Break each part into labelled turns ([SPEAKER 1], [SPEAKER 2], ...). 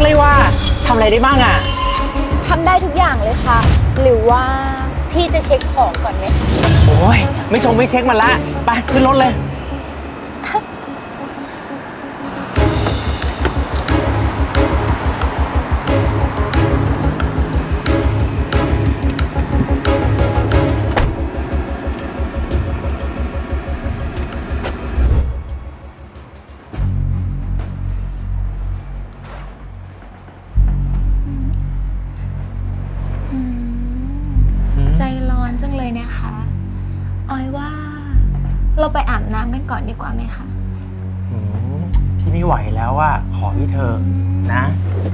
[SPEAKER 1] เลยว่าทำอะไรได้บ้างอ่ะ
[SPEAKER 2] ทำได้ทุกอย่างเลยค่ะ หรือว่าพี่จะเช็คของก่อนไหม
[SPEAKER 1] โอ้ยไม่ชงไม่เช็คมันละไปขึ้นรถเลย
[SPEAKER 2] ใจร้อนจังเลยนะคะออยว่าเราไปอาบน้ำกันก่อนดีกว่าไหมคะ
[SPEAKER 1] พี่ไม่ไหวแล้วอ่ะขอพี่เธอนะ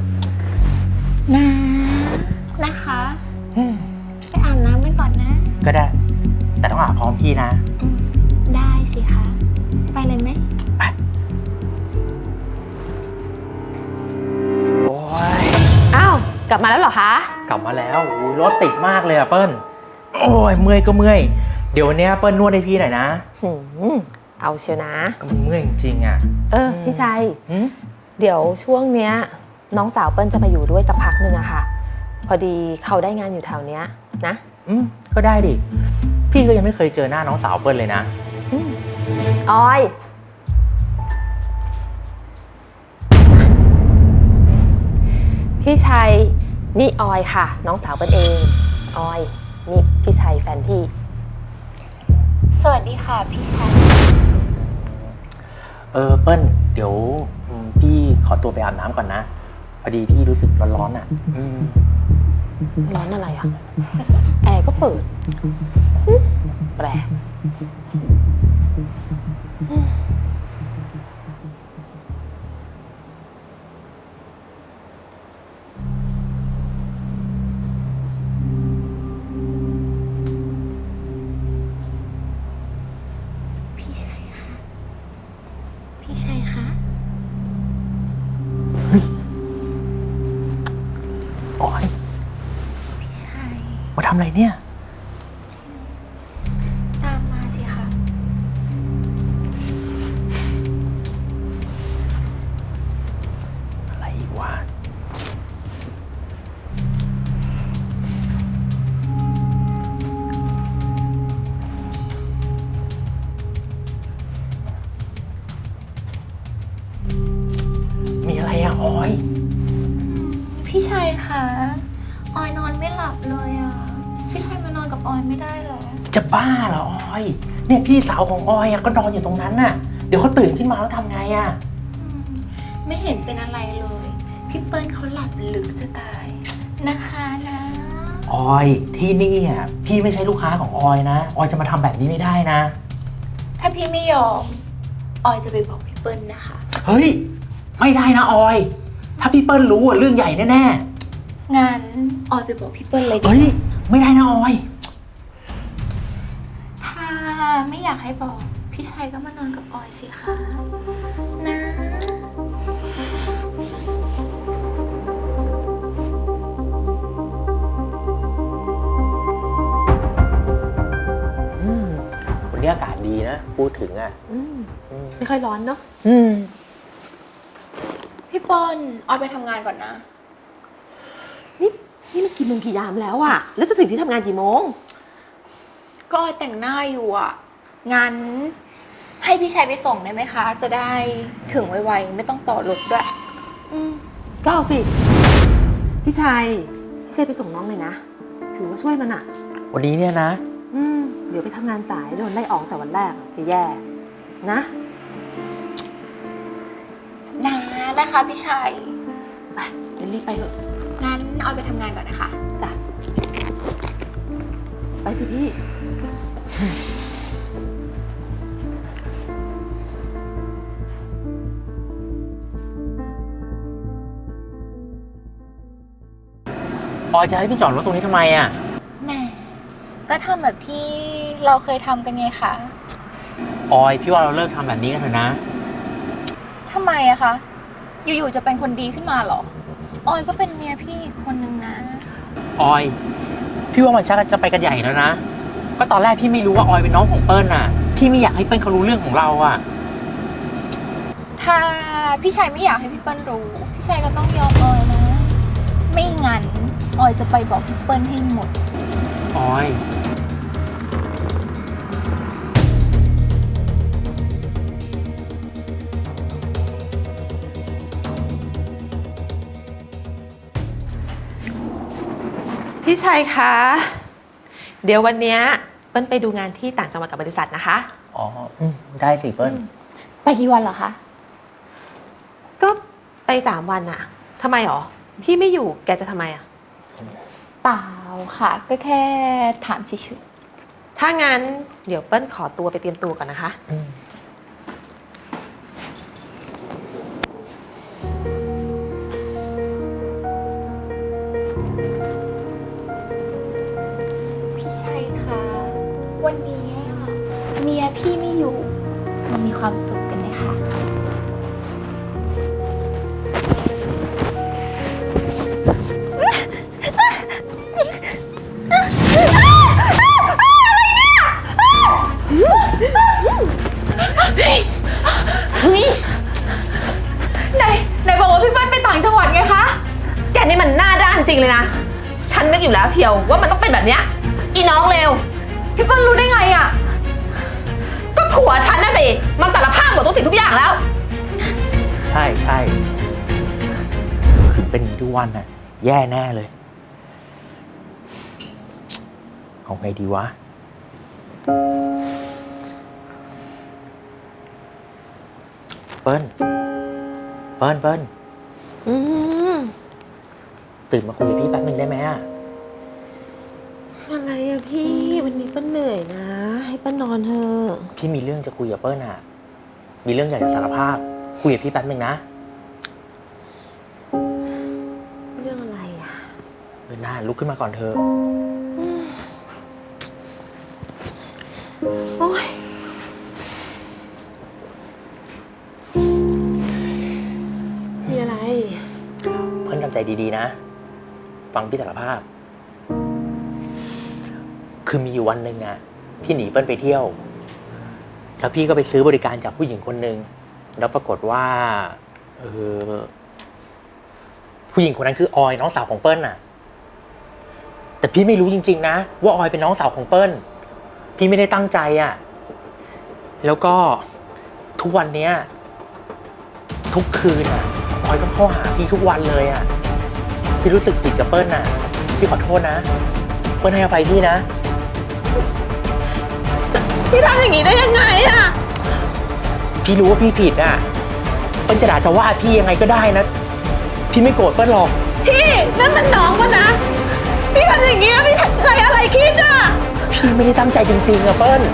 [SPEAKER 2] นะคะไปอาบน้ำกันก่อนนะ
[SPEAKER 1] ก็ได้แต่ต้องอาบพร้อมพี่นะ
[SPEAKER 2] ได้สิคะไปเลยไหม
[SPEAKER 1] ไปโอ้ย
[SPEAKER 3] อ้าวกลับมาแล้วเหรอคะ
[SPEAKER 1] กลับมาแล้วรถติดมากเลยอะเปิ้ลโอ้ยเมื่อยก็เมื่อยเดี๋ยววันนี้เปิ้ลนวดให้พี่หน่อยนะ
[SPEAKER 3] เอาเชียวนะ
[SPEAKER 1] ก็มันเมื่อยจริงๆอ่ะ
[SPEAKER 3] พี่ชัยเดี๋ยวช่วงเนี้ยน้องสาวเปิ้ลจะไปอยู่ด้วยสักพักหนึ่งอะค่ะพอดีเขาได้งานอยู่แถวเนี้ยนะ
[SPEAKER 1] ก็ได้ดิพี่ก็ยังไม่เคยเจอหน้าน้องสาวเปิ้ลเลยนะ
[SPEAKER 3] ออยพี่ชัยนี่ออยค่ะน้องสาวเปิ้ลเองออยนี่พี่ชัยแฟนพี่
[SPEAKER 2] สวัสดีค่ะพี่ชัย
[SPEAKER 1] เปิ้ลเดี๋ยวพี่ขอตัวไปอาบน้ำก่อนนะพอดีพี่รู้สึกร้อนๆอ่ะ
[SPEAKER 3] ร้อนอะไรอ่ะแอร์ก็เปิดแปลก
[SPEAKER 2] พี่ชัยคะพี่ชัยคะ
[SPEAKER 1] โอ๊ย
[SPEAKER 2] พี่ชัย
[SPEAKER 1] มาทำอะไรเนี่ย
[SPEAKER 2] ตามมาสิคะ
[SPEAKER 1] อะไรอีกวะมีอะไรอะออย
[SPEAKER 2] พี่ชัยคะออยนอนไม่หลับเลยอ่ะพี่ชัยมานอนกับออยไม่ได้หรอ
[SPEAKER 1] จะบ้าเหรอออยเนี่ยพี่สาวของออยก็นอนอยู่ตรงนั้นน่ะเดี๋ยวเขาตื่นขึ้นมาแล้วทำไงอะ
[SPEAKER 2] ไม่เห็นเป็นอะไรเลยพี่เปิ้ลเขาหลับลึกจะตายนะคะนะ
[SPEAKER 1] ออยที่นี่อ่ะพี่ไม่ใช่ลูกค้าของออยนะออยจะมาทำแบบนี้ไม่ได้นะ
[SPEAKER 2] ถ้าพี่ไม่ยอมออยจะไปบอกพี่เปิ้ลนะคะ
[SPEAKER 1] เฮ้ยไม่ได้นะออยถ้าพี่เปิ้ลรู้เรื่องใหญ่แน่
[SPEAKER 2] ๆงั้นออยไปบอกพี่เปิ้ลเลยดิ
[SPEAKER 1] เฮ้ยไม่ได้นะออย
[SPEAKER 2] ถ้าไม่อยากให้บอกพี่ชัยก็มานอนกับออยสิคะนะ
[SPEAKER 1] วันนี้อากาศดีนะพูดถึงอ่ะ
[SPEAKER 3] ไม่ค่อยร้อนเนาะ
[SPEAKER 2] พี่เปิ้ลออยไปทำงานก่อนนะ
[SPEAKER 3] นี่มันกี่โมงกี่ยามแล้วอะแล้วจะถึงที่ทำงานกี่โมง
[SPEAKER 2] ก็ออยแต่งหน้าอยู่อ่ะงั้นให้พี่ชัยไปส่งได้ไหมคะจะได้ถึงไวๆไม่ต้องต่อรถด้วย
[SPEAKER 3] ก็เอาสิพี่ชัยไปส่งน้องเลยนะถือว่าช่วยมันอะ
[SPEAKER 1] วันนี้เนี่ยนะ
[SPEAKER 3] เดี๋ยวไปทำงานสายโดนไล่ออกแต่วันแรกจะแย่นะ
[SPEAKER 2] นะคะพี่ชัย
[SPEAKER 3] ไปรีบไปเถอะ
[SPEAKER 2] งั้นออยไปทำงานก่อนนะคะ
[SPEAKER 3] จ้ะไปสิพี่
[SPEAKER 1] ออยจะให้พี่จอดรถตรงนี้ทำไมอ่ะ
[SPEAKER 2] แหมก็ทำแบบที่เราเคยทำกันไงคะ
[SPEAKER 1] ออยพี่ว่าเราเลิกทำแบบนี้กันเถอะนะ
[SPEAKER 2] ทำไมอะคะอยู่ๆจะเป็นคนดีขึ้นมาหรอออยก็เป็นเมียพี่คนนึงนะ
[SPEAKER 1] ออยพี่ว่ามันชักจะไปกันใหญ่แล้วนะก็ตอนแรกพี่ไม่รู้ว่าออยเป็นน้องของเปิ้ลน่ะพี่ไม่อยากให้เปิ้ลเขารู้เรื่องของเราอ่ะ
[SPEAKER 2] ถ้าพี่ชัยไม่อยากให้พี่เปิ้ลรู้ พี่ชัยก็ต้องยอมออยนะ ไม่งั้นออยจะไปบอกพี่เปิ้ลให้หมด
[SPEAKER 1] ออย
[SPEAKER 3] พี่ชัยคะเดี๋ยววันเนี้ยเปิ้ลไปดูงานที่ต่างจังหวัดกับบริษัทนะคะ
[SPEAKER 1] อ๋อได้สิเปิ้ล
[SPEAKER 2] ไปกี่วันเหรอคะ
[SPEAKER 3] ก็ไป3 วันอะทำไมหรอพี่ไม่อยู่แกจะทำไมอะ
[SPEAKER 2] เปล่าค่ะ ก็แค่ถามเฉย
[SPEAKER 3] ถ้างั้นเดี๋ยวเปิ้ลขอตัวไปเตรียมตัวก่อนนะคะ
[SPEAKER 2] ๆพี่ชัยคะวันนี้เมียพี่ไม่อยู่มันมีความสุขกันไหมคะ ไหนบอกว่าพี่เปิ้ลไปต่างจังหวัดไงคะ
[SPEAKER 3] แกนี่มันหน้าด้านจริงเลยนะฉันนึกอยู่แล้วเชียวว่ามันต้องเป็นแบบเนี้ยอีน้องเลว
[SPEAKER 2] พี่เปิ้ลรู้ได้ไงอะ
[SPEAKER 3] ก็ผัวฉันนะสิมันสารภาพหมดทุกสิ่งทุกอย่างแล้ว
[SPEAKER 1] ใช่ใช่คือเป็นอย่างนี้ทุกวันน่ะ แย่แน่เลย เอาไงดีวะ เปิ้ล
[SPEAKER 3] อืม
[SPEAKER 1] ตื่นมาคุยกับพี่แป๊บนึงได้ไหมอะ
[SPEAKER 3] อะไรอะพี่วันนี้เปิ้ลเหนื่อยนะให้เปิ้ลนอนเถอะ
[SPEAKER 1] พี่มีเรื่องจะคุยกับเปิ้ลอะมีเรื่องอยากจะสารภาพ คุยกับพี่แป๊บนึงนะ
[SPEAKER 3] เรื่องอะไรอะ
[SPEAKER 1] น่าลุกขึ้นมาก่อนเถอะ
[SPEAKER 3] โอ๊ยมีอะไร
[SPEAKER 1] เปิ้ลทำใจดีๆนะ ฟังพี่สารภาพ คือมีอยู่วันหนึ่งอะพี่หนีเปิ้ลไปเที่ยว แล้วพี่ก็ไปซื้อบริการจากผู้หญิงคนหนึ่งแล้วปรากฏว่าผู้หญิงคนนั้นคือออยน้องสาวของเปิ้ลน่ะ แต่พี่ไม่รู้จริงๆนะว่าออยเป็นน้องสาวของเปิ้ลพี่ไม่ได้ตั้งใจอะแล้วก็ทุกวันเนี้ยทุกคืนอะออยต้องเข้าหาพี่ทุกวันเลยอะพี่รู้สึกผิดกับเปิ้ลน่ะพี่ขอโทษนะเปิ้ลให้อภัยพี่นะ
[SPEAKER 3] พี่ทำอย่างนี้ได้ยังไงอะ
[SPEAKER 1] พี่รู้ว่าพี่ผิดอ่ะเปิ้ลจะด่าจะว่าพี่ยังไงก็ได้นะ พี่ไม่โกรธเปิ้ลหรอก
[SPEAKER 3] พี่นั่นมันน้องก็นะ พี่ทำอย่างนี้พี่ใจอะไรคิดอะ
[SPEAKER 1] พี่ไม่ได้ตั้งใจจริงๆอะเปิ้ล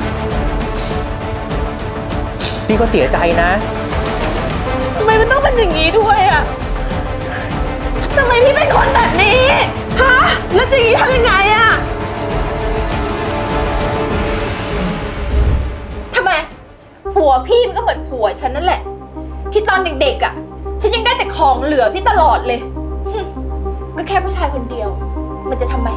[SPEAKER 1] พี่ก็เสียใจนะ
[SPEAKER 3] ทำไมมันต้องเป็นอย่างนี้ด้วยอะทำไมพี่เป็นคนแบบนี้ฮะแล้วอย่างนี้ทำยังไงอะ
[SPEAKER 2] ทำไม ผัวพี่มันก็เหมือนผัวฉันนั่นแหละ ที่ตอนเด็กๆอะฉันยังได้แต่ของเหลือพี่ตลอดเลย ก็แค่ผู้ชายคนเดียว มันจะทำไม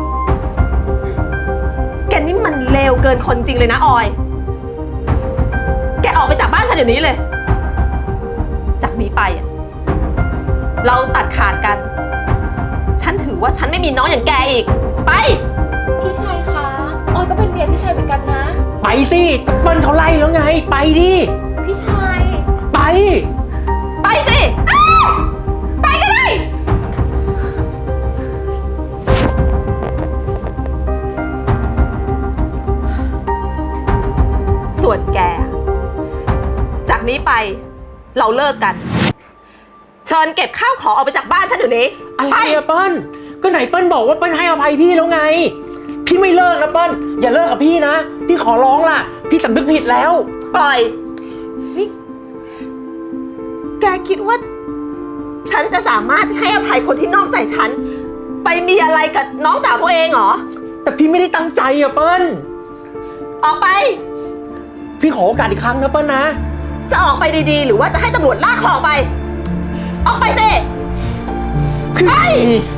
[SPEAKER 3] แกนี่มันเลวเกินคนจริงเลยนะออย แกออกไปจากบ้านฉันเดี๋ยวนี้เลย จากนี้ไปอะเราตัดขาดกัน ฉันถือว่าฉันไม่มีน้องอย่างแกอีก ไป
[SPEAKER 2] พี่ชัยคะออยก็เป็นเมียพี่ชัยเหมือนกันนะ
[SPEAKER 1] ไปสิก็เปิ้ลเขาไล่แล้วไง ไปดิ
[SPEAKER 2] พี่ชัย
[SPEAKER 1] ไป
[SPEAKER 3] ไปสิ
[SPEAKER 2] ไปก็ได้
[SPEAKER 3] ส่วนแก จากนี้ไปเราเลิกกัน เชิญเก็บข้าวของออกไปจากบ้านฉันเดี๋ยวนี้
[SPEAKER 1] อะไร
[SPEAKER 3] ไป
[SPEAKER 1] อะเปิ้ลก็ไหนเปิ้ลบอกว่าเปิ้ลให้อภัยพี่แล้วไง พี่ไม่เลิกนะเปิ้ลอย่าเลิกกับพี่นะ พี่ขอร้องล่ะ พี่สำนึกผิดแล้ว
[SPEAKER 3] ปล่อย นี่ แกคิดว่า ฉันจะสามารถให้อภัยคนที่นอกใจฉัน ไปมีอะไรกับน้องสาวตัวเองเหรอ
[SPEAKER 1] แต่พี่ไม่ได้ตั้งใจอะเปิ้ล
[SPEAKER 3] ออกไป
[SPEAKER 1] พี่ขอโอกาสอีกครั้งนะเปิ้ลนะ
[SPEAKER 3] จะออกไปดีๆ หรือว่าจะให้ตำรวจลากคอออกไป ออกไปสิ
[SPEAKER 1] พี่
[SPEAKER 3] ไป